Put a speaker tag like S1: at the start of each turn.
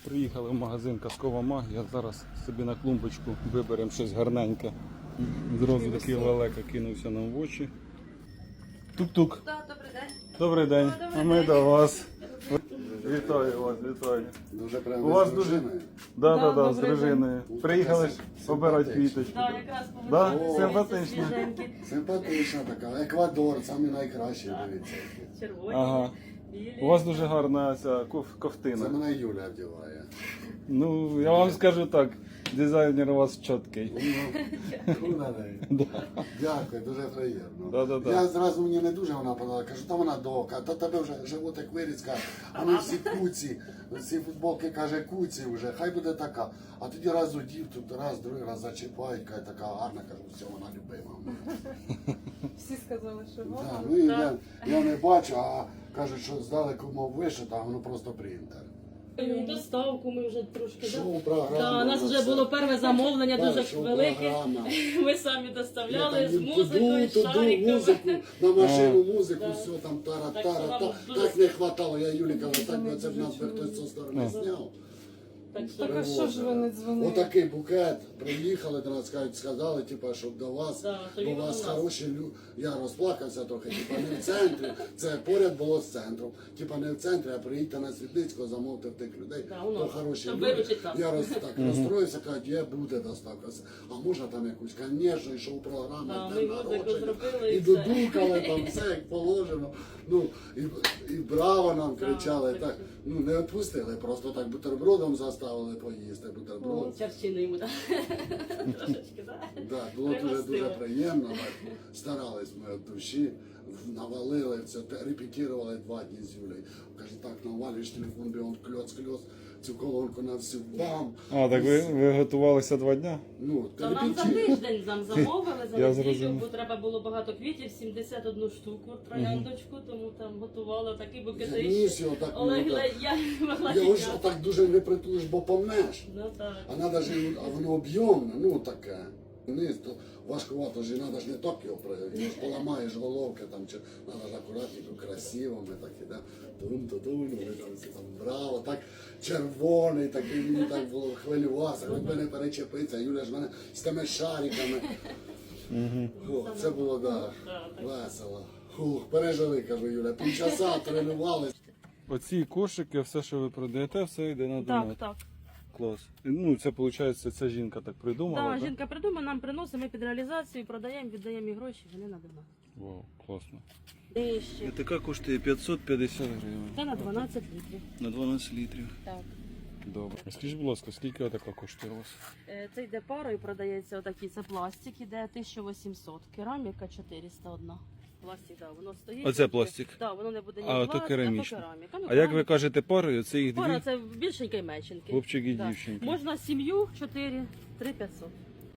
S1: Приїхали в магазин Казкова магія. Зараз собі на клумбочку виберемо щось гарненьке. Зразу такий лелека кинувся нам в очі. Тук-тук.
S2: Добрий день.
S1: Добрий день. А ми до вас. Вітаю вас, вітаю.
S3: Дуже прямо
S1: У вас
S3: з
S1: дуже...
S3: дружиною?
S1: Да, з дружиною. Приїхали ж обирати квіточку.
S2: Так, якраз
S1: Да?
S2: помогли.
S1: Симпатично.
S3: Симпатична така. Еквадор, самі найкращі, дивіться.
S2: Червоні,
S1: Ага.
S2: білі.
S1: У вас дуже гарна ця
S3: Це
S1: ковтина.
S3: мене Юля вдіває.
S1: Ну, я вам скажу так, дизайнер у вас чіткий.
S3: Дякую, дуже приємно.
S1: Да-да-да.
S3: Я зразу мені не дуже вона подала, кажу, та вона дока, та тебе вже животик виріс, каже, а ми всі куці, всі футболки, каже, куці вже, хай буде така. А тоді раз удів, тут раз, другий раз зачіпають, каже, така гарна, кажу, все, вона любима.
S2: Всі сказали, що
S3: Да,
S2: вона.
S3: ну, і я не бачу, а кажуть, що здалеку мов вишита, а воно просто принтер.
S2: Доставку ми вже трошки.
S3: Шоу-програма.
S2: Да, у нас вже було перше замовлення, дуже велике.
S3: шоу-програма.
S2: Ми самі доставляли з
S3: Туди,
S2: музикою, з шариками.
S3: музику, на машину музику,
S2: Да.
S3: все там
S2: Так що
S3: тара-тара.
S2: нам дуже
S3: Так не хватало, я Юлі казав, так би це б нас би хтось зі сторони зняв.
S2: Так що
S4: Так а що ж ви не дзвонили?
S3: Отакий букет, приїхали до нас, сказали, типу, щоб до вас,
S2: Да, то
S3: бо у
S2: він
S3: вас
S2: у нас.
S3: хороші люди. Я розплакався трохи, типу, не в центрі, це поряд було з центром. Типу не в центрі, а приїдьте на Світлицького, замовте в тих людей,
S2: Да, у
S3: то
S2: нас.
S3: хороші
S2: Щоб
S3: люди.
S2: виручити нас.
S3: Я так розстроївся, кажуть, є, буде доставка. А можна там якусь, звісно, і шоу-програма,
S2: Да,
S3: і
S2: ми
S3: день
S2: музику
S3: народження,
S2: зробили,
S3: і
S2: і все.
S3: додукали там все, як положено. Ну, і браво нам кричали,
S2: так
S3: так,
S2: що.
S3: ну не відпустили, просто так бутербродом заставили поїсти, бутерброд.
S2: Чарчини йому, так. Трошечки, так?
S3: Да, було дуже
S2: Пригостили.
S3: приємно. Так, старались ми від душі, навалили це, репетирували 2 дні з Юлею. Каже, так, навалюєш телефон, бігом кльоц, цю колонку на всю бам.
S1: А, так ви готувалися 2 дня?
S3: Ну,
S2: Та нам за
S3: репетир.
S2: тиждень нам замовили, за
S1: Я
S2: неділю,
S1: зрозумів.
S2: бо треба було багато квітів, 71 штуку трояндочку, тому там готували такі
S3: Я
S2: букети.
S3: ніс його так,
S2: Олег,
S3: ну, так.
S2: я могла
S3: Його ж
S2: тікати.
S3: так дуже не притулиш, бо помнеш.
S2: Ну так.
S3: А надо ж, а воно об'ємне, ну таке. Вниз, то важкувато ж, і треба ж не так його пригати, ж поламаєш головки, там, чи треба ж акуратненько, красиво, ми такі, да, тун-тун, ми там всі там браво, так червоний, такий, мені так було хвилювався, хоч би не перечепиться, Юля ж мене з тими шариками. О, це було, да, весело. Фух, пережили, кажу, Юля, півчаса тренувалися.
S1: Оці кошики, все, що ви продаєте, все йде на донат.
S2: Так.
S1: Клас. Ну, це, виходить, ця жінка так придумала,
S2: Так,
S1: так?
S2: жінка придумає, нам приносить, ми під реалізацію продаємо, віддаємо їй гроші, вони на донат.
S1: Вау, класно.
S2: Нижче.
S1: Така коштує 550 гривень.
S2: Це на 12 літрів.
S1: На 12 літрів.
S2: Так.
S1: Добре. Скажіть, будь ласка, скільки така коштує у вас?
S2: Це йде парою, продається отакий, це пластик, іде 1800, кераміка 401. Пластик, так, воно стоїть.
S1: Оце пластик?
S2: Так, воно не буде ні
S1: А,
S2: пластик,
S1: ото керамічне.
S2: кераміка. Ну,
S1: А як ви
S2: кераміка.
S1: кажете парою, це їх
S2: Пара,
S1: дві?
S2: це більшенька і меншенька.
S1: Хлопчик і
S2: Да.
S1: дівчинка.
S2: Можна сім'ю 4, 3500.